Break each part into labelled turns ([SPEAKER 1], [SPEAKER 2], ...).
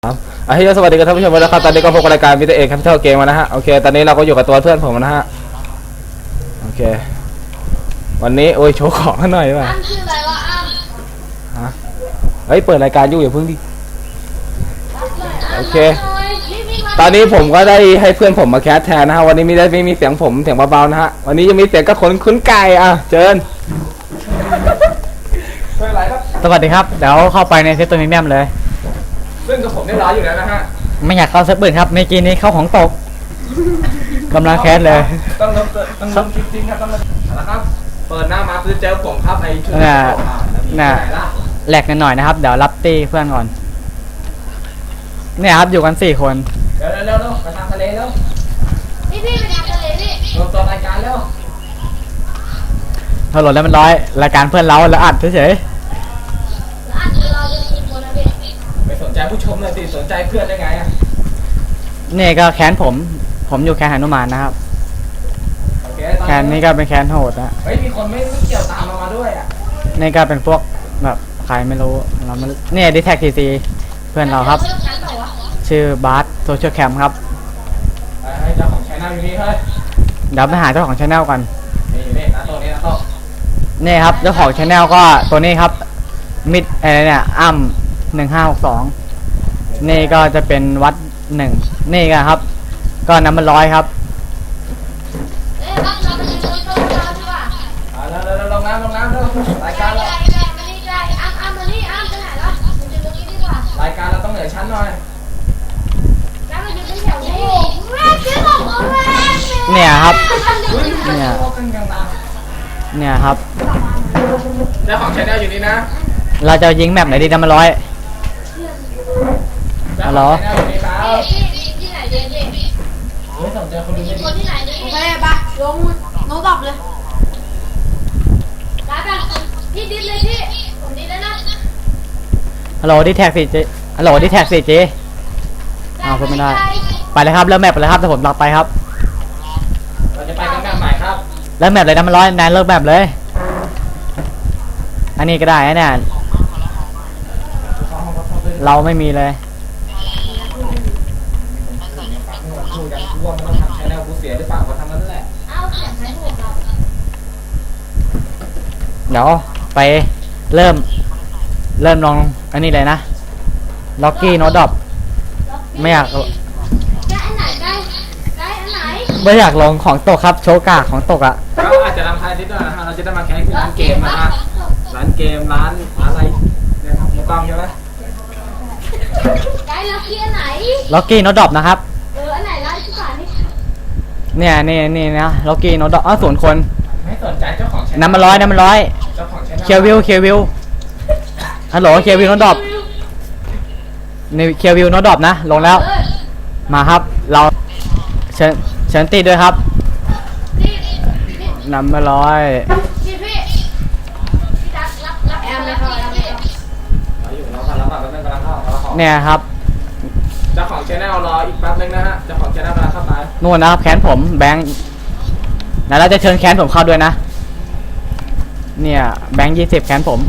[SPEAKER 1] สวัสดีกับท่านผู้ชมนะครับตอนนี้ก็พบกับรายการมิสเตอร์เอกแคปิตอลเกมนะฮะโอเคตอนนี้เราก็อยู่กับตัวเพื่อนผมนะฮะโอเควันนี้โอ้ยโชว์ของหน่อยป่ะ
[SPEAKER 2] อ้ำชื่ออะไรวะอ้ำ
[SPEAKER 1] ฮะเฮ้ยเปิดรายการอยู่อย่าเพิ่งดิโอเคตอนนี้ผมก็ได้ให้เพื่อนผมมาแคสแทนนะฮะวันนี้ไม่มีเสียงผมเสียงเบาๆนะฮะวันนี้จะมีเสียงกระขนคุ้นไก่อ่ะเจิญ
[SPEAKER 3] สวัสดีครับเดี๋ยวเข้าไปในเซตตัวนี้แนมเลย
[SPEAKER 1] ซึ่งกับผมได้ร้อยอยู่แล้วนะฮะ
[SPEAKER 3] ไม่อยากเข้าเซตปืนครับเมื่อกี้นี้เข้าของตกกำลังแคสเลย
[SPEAKER 1] ต้องจริงๆครับต้องนะครับเปิดหน้ามาคือเจอผมครับไอ้ชุด
[SPEAKER 3] น่ะแหลกกันหน่อยนะครับเดี๋ยวรับตีเพื่อนก่อนเนี่ยครับอยู่กัน4 คน
[SPEAKER 1] เร็วไปทางทะเลเร็ว
[SPEAKER 2] พี่ไปทำทะเลพี่
[SPEAKER 1] ลงตัวรายการเร็ว
[SPEAKER 3] ถนนแล้วมันร้อยรายการเพื่อนเราแล้วอัดเฉย
[SPEAKER 2] เราจะมีคนนะพี่
[SPEAKER 1] ไม่สนใจผู้ชมเลยสิสนใจเพื่อนได้ไงอ่ะ
[SPEAKER 3] นี่ก็แคนผมอยู่แคนหนุมานนะครับแคนนี่ก็เป็นแคนโหดนะ
[SPEAKER 1] เฮ้ยมีคนไม่เกี่ยวตามมาด้วยอ่ะ
[SPEAKER 3] นี่ก็เป็นพวกแบบใครไม่รู้เราไม่เนี่ยดิแท็กทีซีเพื่อนเราครับชื่อบาร์โซเชียลแคมครับ
[SPEAKER 1] เจ้าของชาแนลอยู่นี่เฮ้ย
[SPEAKER 3] เดี๋ยวไปหาเจ้าของชาแนลกัน
[SPEAKER 1] นี่นะตัวนี้นะโต๊ะ
[SPEAKER 3] นี่ครับเจ้าของชาแนลก็ตัวนี้ครับมิดอะไรเนี่ยอ้ำ1562นี่ก็จะเป็นวัด1นี่กันครับก็น้ำมัน100ครับ
[SPEAKER 2] เราไปยืนตรงโต๊ะเราดีกว่า
[SPEAKER 1] แล้วลงน้ำรายการเรา
[SPEAKER 2] อ้ำมานี่อ้ำไปไหนแล้วยืนตรงนี้ดีกว่าร
[SPEAKER 1] ายการเราต้องเหนือชั้นหน่อย
[SPEAKER 2] แล้วมายืนเป็นแถวนี้แม่ซื้อของแม่
[SPEAKER 3] เนี่ยครับ
[SPEAKER 1] เนี่ย
[SPEAKER 3] ครับ
[SPEAKER 1] เจ้าของชาแนลอยู่นี่นะ
[SPEAKER 3] เราจะยิงแมปไหนดีน้ำมัน100ฮัลโหล
[SPEAKER 2] ที่ไหนเจ๊
[SPEAKER 1] ไม่สนใจคนดูไม่ดี
[SPEAKER 2] คนที่ไหนนี่โอเคปะลงโน้ตตอบเลยรับกันพี่ดิสเลยพี่ผมดิสแล้วนะ
[SPEAKER 3] ฮัลโหลดิแท็ก4Gฮัลโหลดิแท็ก4Gพูดไม่ได้ไปเลยครับเริ่มแมปไปเลยครับแต่ผมรับไปครับ
[SPEAKER 1] เราจะไปกันแบบใหม่ครับ
[SPEAKER 3] เริ่มแมปเลยน้ำมัน100นายเริ่มแมปเลยอันนี้ก็ได้นะเนี่ยเราไม่มีเลยเดี๋ยวไปเริ่มลองอันนี้เลยนะล็อกกี้โนดดอปไม่อยาก
[SPEAKER 2] ได้อันไหนได้อันไหน
[SPEAKER 3] ไม่อยากลองของตกครับโชกาของตกอ่ะ
[SPEAKER 1] ก็อาจจะทำท้ายนิดหน่อยนะฮะเราจะได้มาแข่งที่ร้านเกมนะฮะร้านเกมร้านอะไรเนี่ยครับถูกต้องใช่ไหม
[SPEAKER 2] ได้ล็อกกี้อันไหน
[SPEAKER 3] ล็อกกี้โนดดอปนะครับ
[SPEAKER 2] อันไหนร้านที่ขาย
[SPEAKER 3] เนี่ยนี่นะล็อกกี้โนดดอปส่วนคน
[SPEAKER 1] ไม่สนใจเจ้าของ
[SPEAKER 3] น้ำมัน100เจ้าของเคียววิวฮัลโหลเคียววิวโนดดอปนี่เคียววิวโนดดอปนะลงแล้วมาครับเราเชิญตีด้วยครับน้ำมัน
[SPEAKER 2] 100แอมเลยครับ
[SPEAKER 3] เนี่ยครับ
[SPEAKER 1] เจ้าของชแนลรออีกแป๊บนึงนะฮะเจ้าของชแนลกำลังเข้ามา
[SPEAKER 3] นู่นนะครับแขนผมแบงค์แล้วเราจะเชิญแขนผมเข้าด้วยนะเนี่ยแบงค์20แขนผม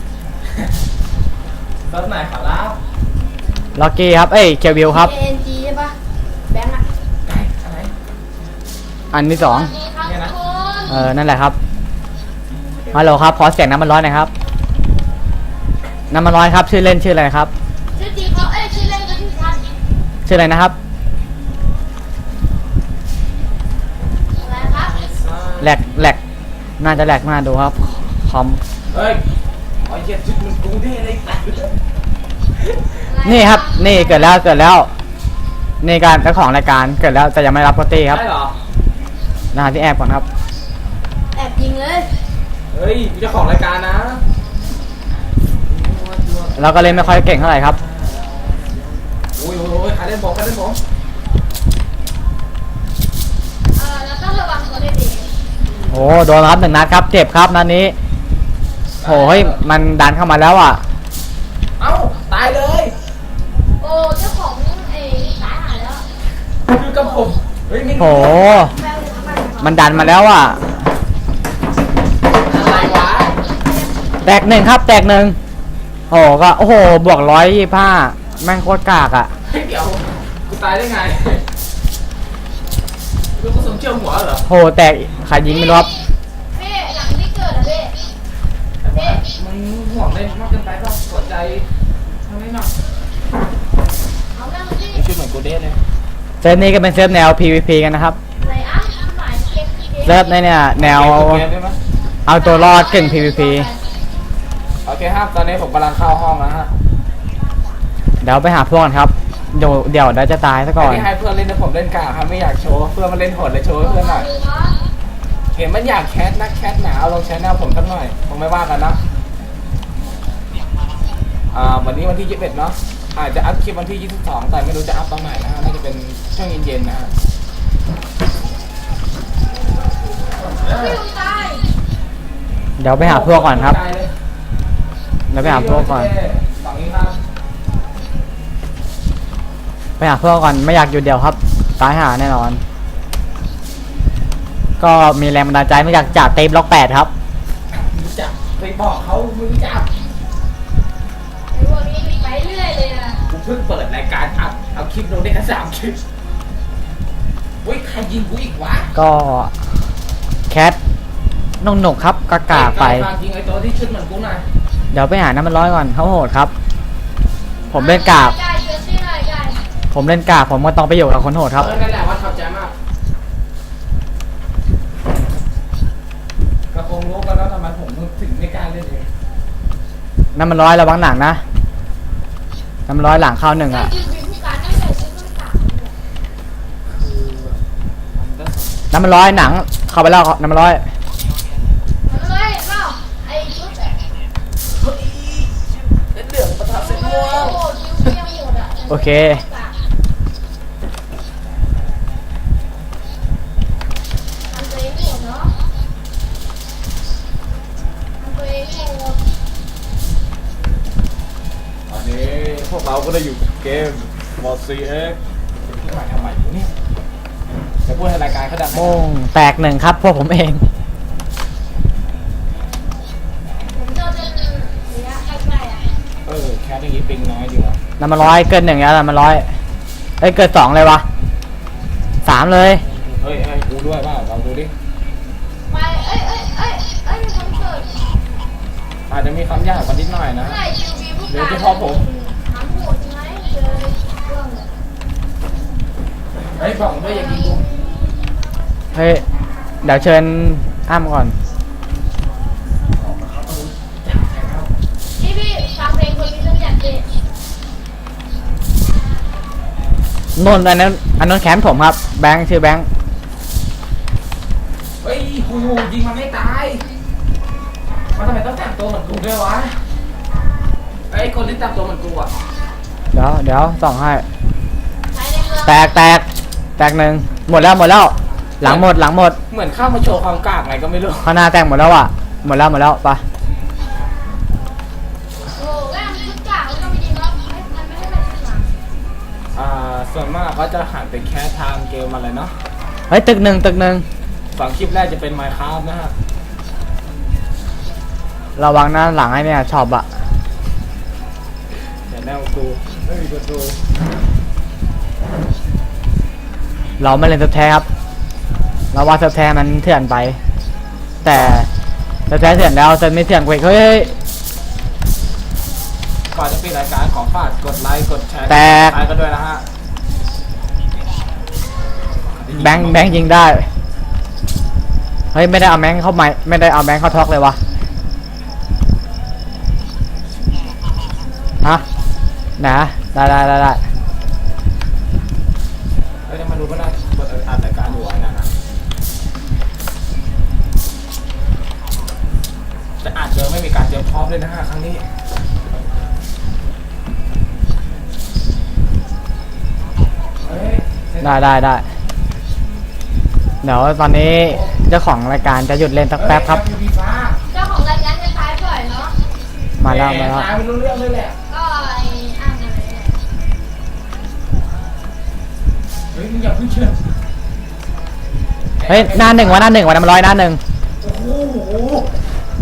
[SPEAKER 1] รถไหนขอรับ
[SPEAKER 3] ล็อกกี้ครับเคียววิวครับ
[SPEAKER 2] ANG ใช่ปะแบงค์
[SPEAKER 1] อะไร
[SPEAKER 3] อันที่2
[SPEAKER 1] เนี่ยนะ
[SPEAKER 3] นั่นแหละครับฮัลโหลครับขอเสียงน้ำมัน100หน่อยครับน้ำมัน100ครับชื่อเล่นชื่ออะไรครับ
[SPEAKER 2] ชื่อจริงเขาชื่อเล่นก็ชื่อชัน
[SPEAKER 3] ชื่ออะไรนะครับ
[SPEAKER 2] อะไรครับ
[SPEAKER 3] แหลกน่าจะแหลกมาดูครับคอม
[SPEAKER 1] เฮ้ยไอ้เจ็ดจุดมันกูได้เลย
[SPEAKER 3] นี่ครับนี่เกิดแล้วนี่การเจ้าของรายการเกิดแล้วแต่ยังไม่รับปกติครับ
[SPEAKER 1] ใช่เหรอ
[SPEAKER 3] นะฮะที่แอบก่อนครับ
[SPEAKER 2] แอบยิงเลย
[SPEAKER 1] เฮ้ยเจ้าของรายการนะ
[SPEAKER 3] เราก็เล่นไม่ค่อยเก่งเท่าไหร่ครับ
[SPEAKER 1] โอ้ยใครเล่นผม
[SPEAKER 2] เราต้องระวังตัวดี
[SPEAKER 3] โอ้โดนครับ1 นัดครับเจ็บครับนัดนี้โอ้ยมันดันเข้ามาแล้วอ่ะ
[SPEAKER 1] เอ้าตายเลย
[SPEAKER 2] โอ้เจ้าของตายหายแล้ว
[SPEAKER 1] คือกับผม
[SPEAKER 3] โอ้มันดันมาแล้วอ่ะ
[SPEAKER 1] อะไรวะ
[SPEAKER 3] แตก1ครับแตก1โอ้ก็โอ้โหบวก125 แม่งโคตรกากอ่ะ
[SPEAKER 1] เฮ้ยเดี๋ยวกูตายได้ไงลูกกระสุนเชี่ยวหัวเหรอ
[SPEAKER 3] โหแตกใครยิงไม่รู้ครับ
[SPEAKER 2] พี่หลังที่เกิดอะพี่
[SPEAKER 1] แต่ว่ามึงห่วงเล่นมากเกินไปป่ะหัวใจทำไมหนัก
[SPEAKER 2] เอาแม่งพี่
[SPEAKER 1] ชื่อเหมือนกูเด้เลย
[SPEAKER 3] เซิร์ฟนี้ก็เป็นเซิร์ฟแนว PVP กันนะครับ
[SPEAKER 2] ไหนอ่ะหมายเก็บ
[SPEAKER 3] เซิร์ฟในเนี่ยแนว
[SPEAKER 1] เกมได้ไหม
[SPEAKER 3] เอาตัวรอดกึ่ง PVP
[SPEAKER 1] โอเคครับตอนนี้ผมกำลังเข้าห้องแล้วฮะ
[SPEAKER 3] เดี๋ยวไปหาพวกกันครับเดี๋ยวจะตายซะก่อน
[SPEAKER 1] ที่ให้เพื่อนเล่นนะผมเล่นกากครับไม่อยากโชว์เพื่อนมาเล่นโหดเลยโชว์ให้เพื่อนหน่อยเห็นมันอยากแคสนักแคสหนาเอาลงแชนแนลผมสักหน่อยผมไม่ว่ากันนะวันนี้วันที่21เนาะอาจจะอัพคลิปวันที่22แต่ไม่รู้จะอัพตอนไหนนะฮะน่าจะเป็นช่วงเย็นๆนะฮะ
[SPEAKER 2] พี่ลุงตาย
[SPEAKER 3] เดี๋ยวไปหาพวกก่อนครับเดี๋ยวไปหาพวกก่อน
[SPEAKER 1] ฝั่งนี้ครับ
[SPEAKER 3] ไปหาพวกก่อนไม่อยากอยู่เดียวครับตายหาแน่นอน ก็มีแรงบันดาลใจมาจากเทปล็อก8ครับ
[SPEAKER 1] รู้จักไปบอกเขาไม่รู้จัก
[SPEAKER 2] ไอ้พวกนี้ไปเรื่อยเลยนะ
[SPEAKER 1] กูเพิ่งเปิดรายการอัพเอาคลิปลงได้แค่3 คลิปเฮ้ยใครยิงกูอีกวะ
[SPEAKER 3] ก็แคทนงหนกครับกากาไป
[SPEAKER 1] ฝากยิงไอ้ตัวที่ชุดเหมือนกูหน่อย
[SPEAKER 3] เดี๋ยวไปหาน้ำมันร้อยก่อนเขาโหดครับ ผมเล่นกาก
[SPEAKER 2] ไก่เจอซี่หน่อยไก่
[SPEAKER 3] ผมเล่นกากผมก็ต้องไปอยู่กับคนโหดครับ
[SPEAKER 1] นั่นแหละว่าชอบใจมากก็คงรู้กันแล้วทำไมผมถึงไม่กล้าเล่นเอง
[SPEAKER 3] น้ำมันร้อยระวังหลังนะน้ำมันร้อยหลังเข้าหนึ่ง
[SPEAKER 2] ไก่
[SPEAKER 3] อ่ะ
[SPEAKER 2] ยืนเป็นผู้การไม่ใส่ชุดต้องสาม
[SPEAKER 1] คือมันก็
[SPEAKER 3] น้ำมันร้อยหนังเข้าไปแล้วน้ำมันร้อย
[SPEAKER 2] มันเลยเปล่าไอ้ชุดอะ
[SPEAKER 1] เฮ้ยเล่นเหลืองประทับเส้นม่วง
[SPEAKER 2] โอ้คิ้วเปี้ยงหมดอะ
[SPEAKER 3] โอเค
[SPEAKER 2] ทำตัวเองหมดเนาะทำตัวเองหมด
[SPEAKER 1] ตอนนี้พวกเราก็ได้อยู่กับเกม Mod CX ที่มาทำใหม่อยู่นี่จะพูดให้รายการเขาดังไหม
[SPEAKER 3] โม่งแตกหนึ่งครับพวกผมเอง
[SPEAKER 2] ผมเจอเป็นระยะใกล้ๆอะ
[SPEAKER 1] แคสอย่างนี้ปิงน้อยดีว่ะ
[SPEAKER 3] น้ำมันร้อยเกินหนึ่งแล้วน้ำมันร้อยเอ้ยเกิน2เลยวะ3เลย
[SPEAKER 1] เฮ้ยให้กูด้วยว่าเราดูดิ
[SPEAKER 2] ไปเอ้ยมีคนเกิด
[SPEAKER 1] อาจจะมีคำยากกว่านิดหน่อยนะ
[SPEAKER 2] เมื่อไหร่คิวบีผู้
[SPEAKER 1] เดี๋
[SPEAKER 2] กาย ร
[SPEAKER 1] วจะพอผม
[SPEAKER 2] ถามโหดใช่ไหมเจอเรื่องเลย
[SPEAKER 1] เฮ้ยบอกด้วยอย่ายิงกู
[SPEAKER 3] เฮ้ยเดี๋ยวเชิญอ้ำก่อน
[SPEAKER 2] พี่ฟังเพลงคนมีเรื่องอยากเด็ด
[SPEAKER 3] นนท์อันนั้นแขนผมครับแบงค์ชื่อแบงค์
[SPEAKER 1] เฮ้ยกูยิงมันไม่ตายมันทำไมต้องแต่งตัวเหมือนกูด้วยวะไอ้คนที่แต่งตัวเหมือนกูอ่ะ
[SPEAKER 3] เดี๋ยวส่องให้
[SPEAKER 2] ใช้ในเมือง
[SPEAKER 3] แตกหนึ่งหมดแล้วหลังหมด
[SPEAKER 1] เหมือนเข้ามาโชว์ความกล้าไงก็ไม่รู้
[SPEAKER 3] ข้างหน้าแตกหมดแล้วอ่ะหมดแล้วไป
[SPEAKER 2] โอ้แม่งชุดกากมันก็ไม่ดีแล้วมันไม่ให้เป็นชุดหลัง
[SPEAKER 1] ส่วนมากก็จะหันไปแคสทางเกมอะไรเนาะ
[SPEAKER 3] เฮ้ยตึกหนึ่ง
[SPEAKER 1] ฝั่งคลิปแรกจะเป็น Minecraft นะฮะ
[SPEAKER 3] ระวังนะหลังไอ้เนี่ยช็อปอะ
[SPEAKER 1] แต่แนวกูไม่มีประตู
[SPEAKER 3] เราไม่เล่นสแท้ครับเราว่าสแท้มันเถื่อนไป แต่สแท้เถื่อนแล้วเซนไม่เถื่อนกว่าอีกเฮ้ย
[SPEAKER 1] ก่อนจะปิดรายการขอฝากกดไลค์กดแชร์
[SPEAKER 3] แตก
[SPEAKER 1] ไลค์กันด้วยนะฮะ
[SPEAKER 3] แบงค์ยิงได้เฮ้ยไม่ได้เอาแบงค์เข้าไม่ได้เอาแบงค์เข้าท็อกเลยวะฮะนะได้
[SPEAKER 1] เฮ้ยมาดูก็ได้เปิดอ่านรายการอยู่ไว้นะจะอาจจะไม่มีการเตรียมพร้อมเลยนะฮะครั้งนี้เฮ้ย
[SPEAKER 3] ได้เดี๋ยวตอนนี้เจ้าของรายการจะหยุดเล่นสักแป๊บครับ
[SPEAKER 2] เจ้าของรายการจะท้ายบ่อยเนาะ
[SPEAKER 3] มาแล้ว
[SPEAKER 1] ตายไม่รู้เรื่องเลยแหละ
[SPEAKER 2] ก็ไอ้อ่างอะไรเนี่ย
[SPEAKER 1] เฮ้ยมึงอย่าเพิ่งเชื่อ
[SPEAKER 3] เฮ้ยหน้าหนึ่งวะน้ำมันร้อยหน้าหนึ่ง
[SPEAKER 1] โอ้โห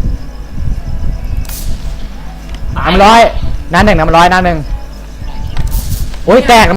[SPEAKER 3] น้ำมันร้อยหน้าหนึ่งโอ้ยแตก